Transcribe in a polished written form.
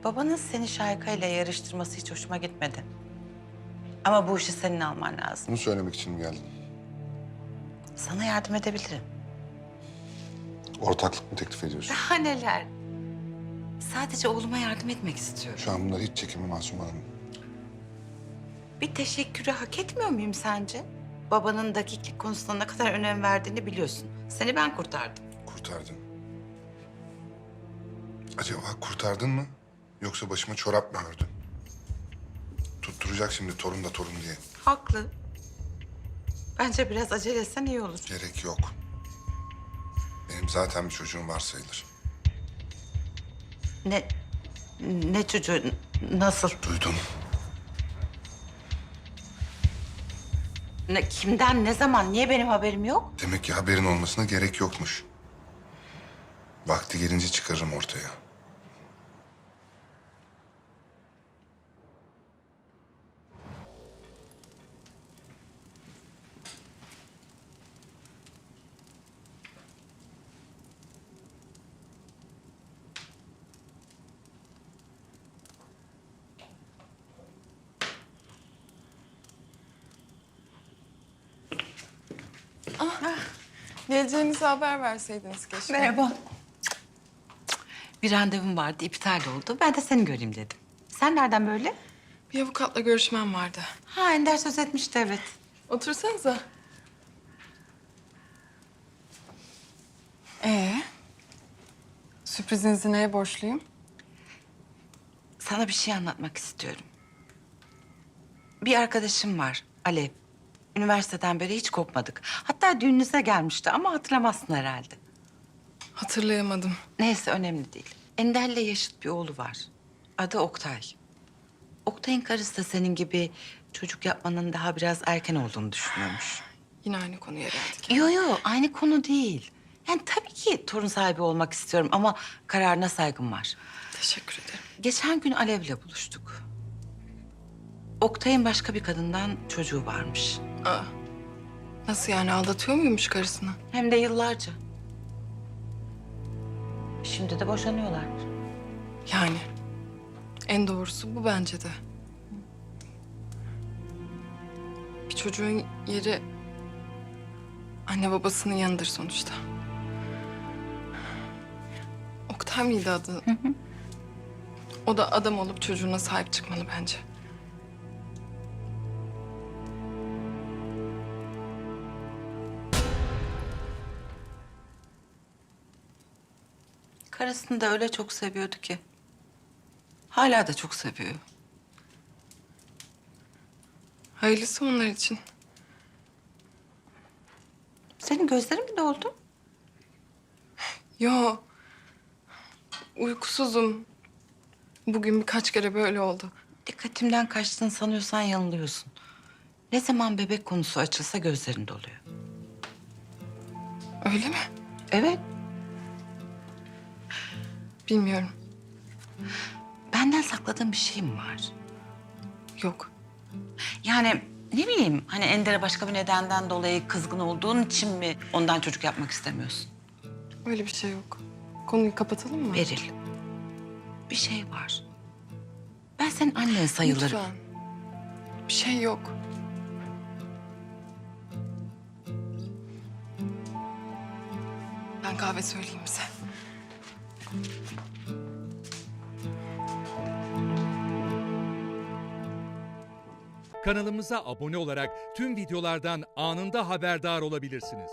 Babanın seni Şahika ile yarıştırması hiç hoşuma gitmedi. Ama bu işi senin alman lazım. Bunu söylemek için mi geldin? Sana yardım edebilirim. Ortaklık mı teklif ediyorsun? Daha neler? Sadece oğluma yardım etmek istiyorum. Şu an bunlar hiç çekimi Masum Hanım. Bir teşekkürü hak etmiyor muyum sence? Babanın dakiklik konusuna ne kadar önem verdiğini biliyorsun. Seni ben kurtardım. Kurtardın. Acaba kurtardın mı? Yoksa başıma çorap mı ördün? Tutturacak şimdi torun da torun diye. Haklı. Bence biraz acele etsen iyi olur. Gerek yok. Benim zaten bir çocuğum var sayılır. Ne çocuğu, nasıl? Duydum. Kimden, ne zaman, niye benim haberim yok? Demek ki haberin olmasına gerek yokmuş. Vakti gelince çıkarırım ortaya. Geleceğinizi haber verseydiniz keşke. Merhaba. Bir randevum vardı, iptal oldu. Ben de seni göreyim dedim. Sen nereden böyle? Bir avukatla görüşmem vardı. Ha, Ender söz etmişti, evet. Otursanıza. Sürprizinizi neye borçluyum? Sana bir şey anlatmak istiyorum. Bir arkadaşım var, Alev. Üniversiteden beri hiç kopmadık. Hatta düğününüze gelmişti ama hatırlamazsın herhalde. Hatırlayamadım. Neyse, önemli değil. Ender'le yaşıt bir oğlu var. Adı Oktay. Oktay'ın karısı da senin gibi çocuk yapmanın daha biraz erken olduğunu düşünüyormuş. Yine aynı konuya geldik. Yo, aynı konu değil. Yani tabii ki torun sahibi olmak istiyorum ama kararına saygım var. Teşekkür ederim. Geçen gün Alev'le buluştuk. Oktay'ın başka bir kadından çocuğu varmış. Aa, nasıl yani aldatıyor muymuş karısını? Hem de yıllarca. Şimdi de boşanıyorlar. Yani en doğrusu bu bence de. Bir çocuğun yeri anne babasının yanıdır sonuçta. Oktay mıydı adı? O da adam olup çocuğuna sahip çıkmalı bence. Karısını da öyle çok seviyordu ki. Hala da çok seviyor. Hayırlısı onlar için. Senin gözlerin mi doldu? Yo. Uykusuzum. Bugün birkaç kere böyle oldu. Dikkatimden kaçtığını sanıyorsan yanılıyorsun. Ne zaman bebek konusu açılsa gözlerin doluyor. Öyle mi? Evet. Bilmiyorum. Benden sakladığın bir şey mi var? Yok. Yani ne bileyim, hani Ender'e başka bir nedenden dolayı kızgın olduğun için mi ondan çocuk yapmak istemiyorsun? Öyle bir şey yok. Konuyu kapatalım mı? Beril, bir şey var. Ben senin annen sayılırım. Lütfen. Bir şey yok. Ben kahve söyleyeyim bize. Kanalımıza abone olarak tüm videolardan anında haberdar olabilirsiniz.